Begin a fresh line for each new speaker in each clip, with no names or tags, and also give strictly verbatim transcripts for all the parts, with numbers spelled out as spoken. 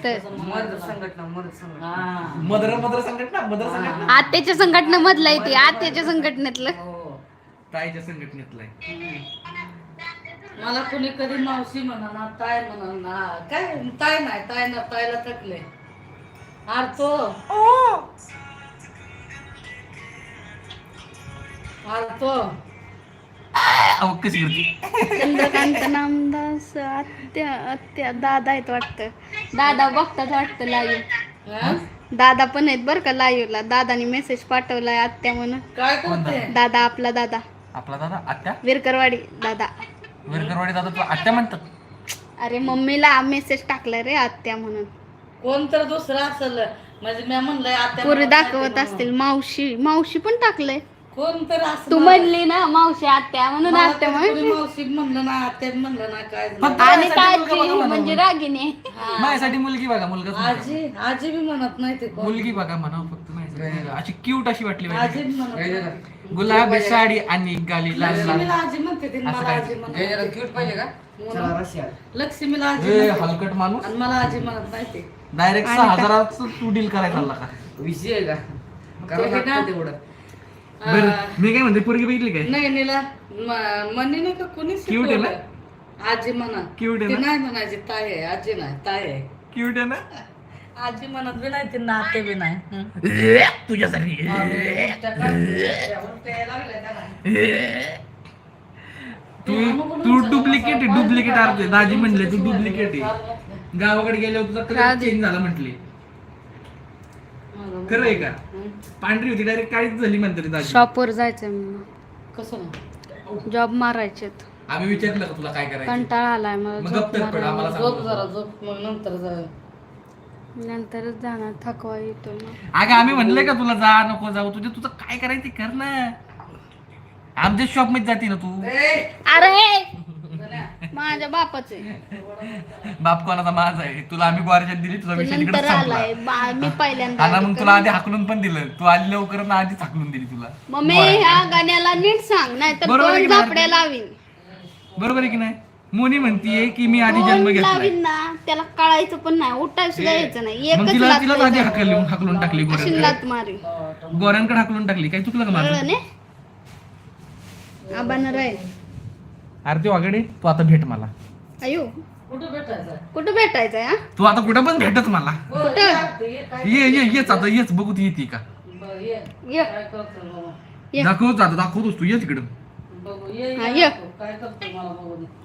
Mother संघटना mother संघटना
हा
मदर मदर संघटना मदर संघटना
आत्याच्या संघटनेमधलं आहे ते आत्याच्या संघटनेतलं.
हो.
ताईच्या संघटनेतलं आहे.
हम्म. मला कुणी कधी मावशी म्हणा ना ताय म्हणा ना काय ताय नाही ताय ना तायला थकले आरतो आरतो
अहो, कशी होती
चंद्रकांत नामदास आत्या आत्या दादा आहेत वाटतं. दादा बघतात वाटतं लाईव्ह.
हा?
दादा पण आहेत बरं का लाईव्हला. दादानी मेसेज पाठवलाय आत्या म्हणून.
काय करते
दादा आपला दादा
आपला दादा आत्या
विरकरवाडी दादा.
विरकरवाडी दादा तुला आत्या म्हणतात.
अरे मम्मीला मेसेज टाकलाय रे आत्या म्हणून.
कोण तर दुसरं असेल म्हणजे मी म्हणलंय आता
पुरी दाखवत असतील. मावशी मावशी पण टाकलंय.
कोण तर असं
तू म्हणली ना मावशी आत्या म्हणून
मला
आत्या
तर कोणी
म्हणून.
मावशी म्हणलं ना आत्या म्हणलं ना काय झालं.
फक्त
आणि
माझ्यासाठी मुलगा
काळजी
बघा
म्हणजे
म्हणावं.
रागिनी.
हा.
माझ्यासाठी मुलगी बघा मुलगा
आजी आजी बी म्हणत नाही ते कोण
मुलगी बघा म्हणावं फक्त माझ्यासाठी. अशी क्यूट अशी वाटली
आजी
पाहिजे.
बी म्हणत नाही.
गुलाबी साडी आणि गाली लाल
लक्ष्मीला
लाल.
आजी म्हणते ते,
असं
मला
काय?
आजी म्हणत
क्यूट पाहिजे का चला रशिया
लक्ष्मीला आजी
ए,
म्हणते.
हलकट माणूस
आणि मला आजी म्हणत नाही ते
डायरेक्ट
आणि
सहा
काय?
हजाराच तू डील करायचा आला का
विषय आहे का करावं
ते ना-
लागतं तेवढं
बरं
अं,
मी काय म्हणते पोरगी बघितली काय
नाही नीला म- मनी नाही का कोणी
Cute आहे ना?
आजी म्हणा
Cute आहे
ती
ना?
नाही म्हणायची ताई आहे आजी नाही ताई आहे
क्यूट आहे ना
आजी म्हणत बी नाही ती नाते बी नाही हं.
तुझ्यासाठी तू तू डुप्लिकेट आहे डुप्लिकेट अर्थ दाजी म्हणले तू डुप्लिकेट आहे गावाकडे गेल्यावर तुझा कलर
दाजी.
चेंज झाला म्हटली खरं आहे का
हं.
पांढरी होती डायरेक्ट काळीच झाली म्हणते रे दाजी
शॉपवर जायचंय मला.
कसं नाही
जॉब मारायचेत.
आम्ही विचारलं का तुला काय करायचं
कंटाळा आलाय मला
मग
झोप
गप्प तर पड,
मारायला.
आम्हाला
झोप
सांगू
जरा
नको.
झोप मग नंतर जा
नंतरच जाणार थकवा येतो मग.
अगं आम्ही म्हणलंय का तुला जा नको जाऊ तुझे तुझं काय करायचं ते कर ना आमच्या शॉप मध्ये जाते ना तू
अरे माझ्या बापाचे
बाप कोणाचा माझा आहे तुला आम्ही ग्वारच्यात दिली तुझा विषय तिकडे
नंतर
संपला
आलाय बा- मी पहिल्यांदा
आणि
आली
मग
का?
तुला आधी हाकलून पण दिलं तू आली लवकर ना आधीच हाकलून दिली तुला
मम्मी ह्या गाण्याला नीट सांग नाही तर
बरोबर आहे
दोन
की नाही?
झापड्या लावीन.
बरोबर आहे की नाही मोनी म्हणतीये की मी आधी जन्म
दोन
घेतलाय
लावीन ना त्याला कळायचं पण नाही उठाय सुद्धा यायचं नाही
मग
एकच
तिला
लात
तिला आधी
द्यायचं.
हाकलून हाकलून टाकली
अशी
गोऱ्यांकडे
लात मारी
गोऱ्यांकडे हाकलून टाकली काय चुकलं का माझं
कळलं ने आबानं राय
अरे ते वागडे तू आता भेट मला
अयो
कुठं भेटायचं
कुठं भेटायचंय हा
तू आता कुठं पण भेटत मला
हो, ये आता, ये, काय-
ये ये येच आता येच बघू ती येते का
बरं, ये.
ये
काय करतो बाबा?
ये.
दाखवत आता दाखवतोस तू ये तिकडं
बघू ये
हा,
ये
ये.
दाखव. काय करतो मला बघू दे.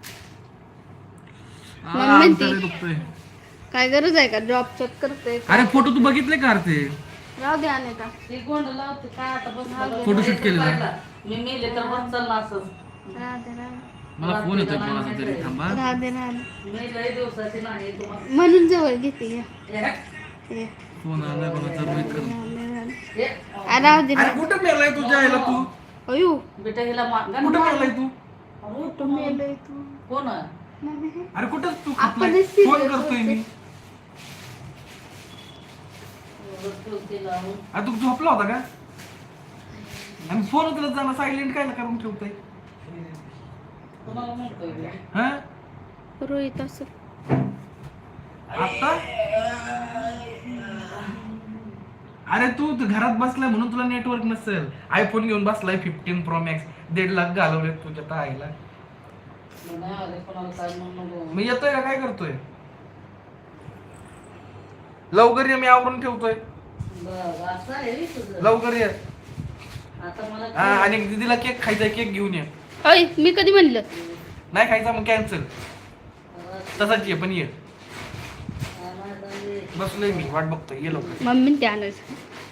हा,
मग म्हणती.
आमचं लय दुखतंय.
काय गरज आहे का जॉब चेक करते
अरे फोटो तू बघितले का रे ते
राहू दे अनेका
ती गोंड लावते काय आता बस
फोटोशूट केलेलं.
मी मेले तर बस चालला असं
राहू दे राहू दे.
मला फोन येतोय कोणाचा तरी थांबा
राहू दे राहू दे.
मी लय दिवसाची नाही तुम्हाला
म्हणून जवळ घेते ये.
ये.
ये.
फोन आलाय कोणाचा रोहित कर
राहू दे, राहू दे.
ये.
आ, राहू दे
अरे
राहू
कुठं मेलाय तुझ्या आईला तू
दे. अयो
बेटा हिला मा- गण
कुठं
मार.
मेलाय तू
कुठं मेलंय तू
कोण आहे?
नाही.
अरे कुठं तू
आपण
खपलाय?
serious
फोन करतोय मी
ठेव तिला.
अरे तू झोपला होता का आणि फोन उचलत जाणं सायलेंट काय करून ठेवतोय
कोणाला म्हणतोय बे?
हा
रोहित असं
आता अरे तू त- घरात बसलाय म्हणून तुला नेटवर्क नसेल आयफोन घेऊन बसलाय फिफ्टीन प्रो मॅक्स दीड लाख घालवले तुझ्या त्या आईला
मी नाही आले, कोणाला काय म्हणू नको.
मी येतोय का काय करतोय लवकर ये मी आवरून ठेवतोय
बरं, असं आहे बे तुझं.
लवकर ये
आता मला
हा, आणि दीदीला केक खायचा केक घेऊन ये
अय मी कधी म्हणलं
नाही खायचा मग कॅन्सल तसाच ये पण ये बसलोय मी वाट बघतोय ये लवकर
मम्मी ते आणायचं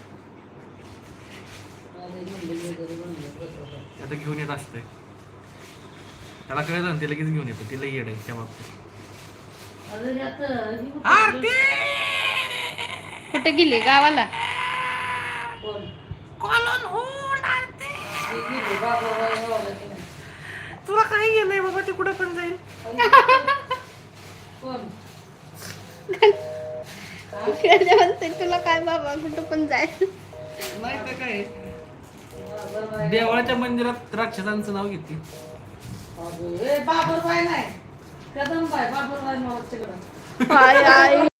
आता घेऊन येत असते त्याला कळलं ना ते लगेच घेऊन येतो तिला येड आहे त्या बाबतीत
अरे आता ही कुठं
आरती
कुठे गेली गावाला
कोण?
कॉलन होड आरती
ही गेली, बाबा बाबा बाबा गेली.
तुला काय गेलंय बाबा ते कुठं पण जाईल
कोण?
त्याला म्हणते तुला काय बाबा कुठं पण जायचं
नाही तर काय
बाबर बाई.
देवळाच्या मंदिरात राक्षसांचं नाव घेते
बाबर. ए, बाबर बाई नाही कदम बाई बाबर बाई नावाचं तिकडं.
हाय, हाय.